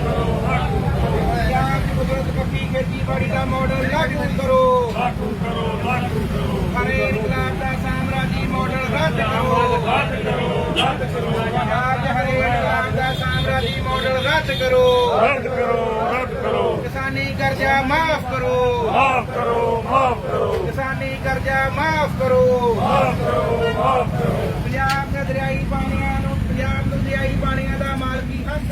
खेतीबाड़ी का मॉडल लागू करो। हरे इनकलाब का साम्राज्य मॉडल रद्द करो। आज हरे इनकलाब का साम्राज्य मॉडल रद्द करो। किसानी कर्जा माफ करो। किसानी कर्जा माफ करो। पंजाब के दरियाई पानियां नूं पंजाब नूं दरियाई पानियां दा मालकी हक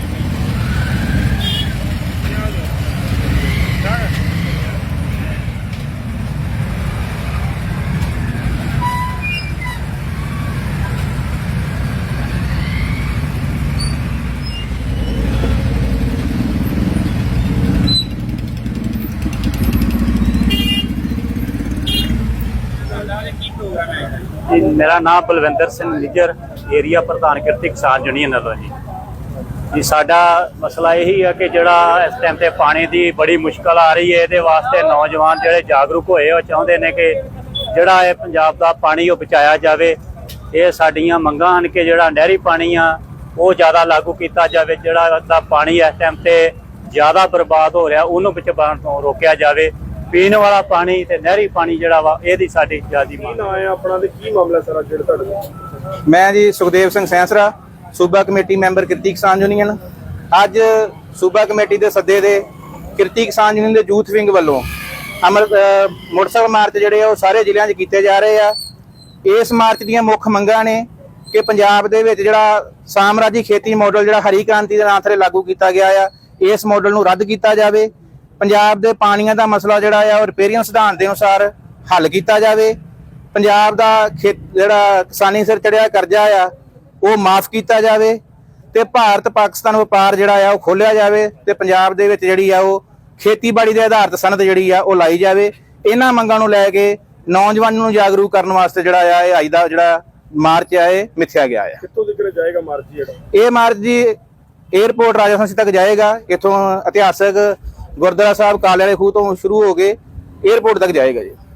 जी। मेरा नाम बलविंदर सिंह निजर, एरिया प्रधान किरती किसान यूनियन वालों जी। साडा मसला यही है कि जिहड़ा इस टाइम ते पानी की बड़ी मुश्किल आ रही है, ये वास्ते नौजवान जिहड़े जागरूक होए वो चाहुंदे ने कि जिहड़ा ये पंजाब दा पानी वो बचाया जाए। ये साडियां मंगां हन कि जिहड़ा नहरी पानी आ वो ज़्यादा लागू किया जाए। जिहड़ा पानी इस टाइम ते ज़्यादा बर्बाद हो रहा उन्होंने बचाउण तो रोकिया जाए। पीने वाला पानी ते नहरी पानी जिहड़ा वा इहदी साडी ज़्यादा मांग है। अपना ते की मामला सारा जेड़ तुहाडा? मैं जी सुखदेव सिंह सैंसरा, सूबा कमेटी मैंबर किरती किसान यूनियन। अज सूबा कमेटी के सद्दे दे किरती किसान यूनियन के यूथ विंग वालों मोटरसाइकिल मार्च जिहड़े वो सारे जिलों च कीते जा रहे आ। इस मार्च दीयां मुख मंगां ने कि पंजाब दे विच जिहड़ा साम्राजी खेती मॉडल जिहड़ा हरी क्रांति दे नाम ते लागू किया गया आ, इस मॉडल नूं रद्द किया जाए। पंजाब दे पानियां दा मसला जिहड़ा आ रिपेरियन सिद्धांत के अनुसार हल किया जाए। पंजाब दा जिहड़ा किसानी सिर चढ़िया करजा आ वो माफ किया जाए ते भारत पाकिस्तान व्यापार जिहड़ा आ वो खोलिया जाए ते पंजाब दे विच जिहड़ी आ वो खेतीबाड़ी दे आधारित सनद जिहड़ी आ वो लाई जाए। इन्हां मंगां नूं लै के नौजवानों नूं जागरूक करन वास्ते जिहड़ा आ इह अज दा जिहड़ा मार्च आ इह मिथਿਆ ਗਿਆ आ। कित्थों तक जाएगा मार्च जेड़ा? ये मार्च जी एयरपोर्ट राजा संसी तक जाएगा। इत्थों इतिहासक गुरुद्वारा साहब काले वाले खूह तो शुरू हो के एयरपोर्ट तक जाएगा जी।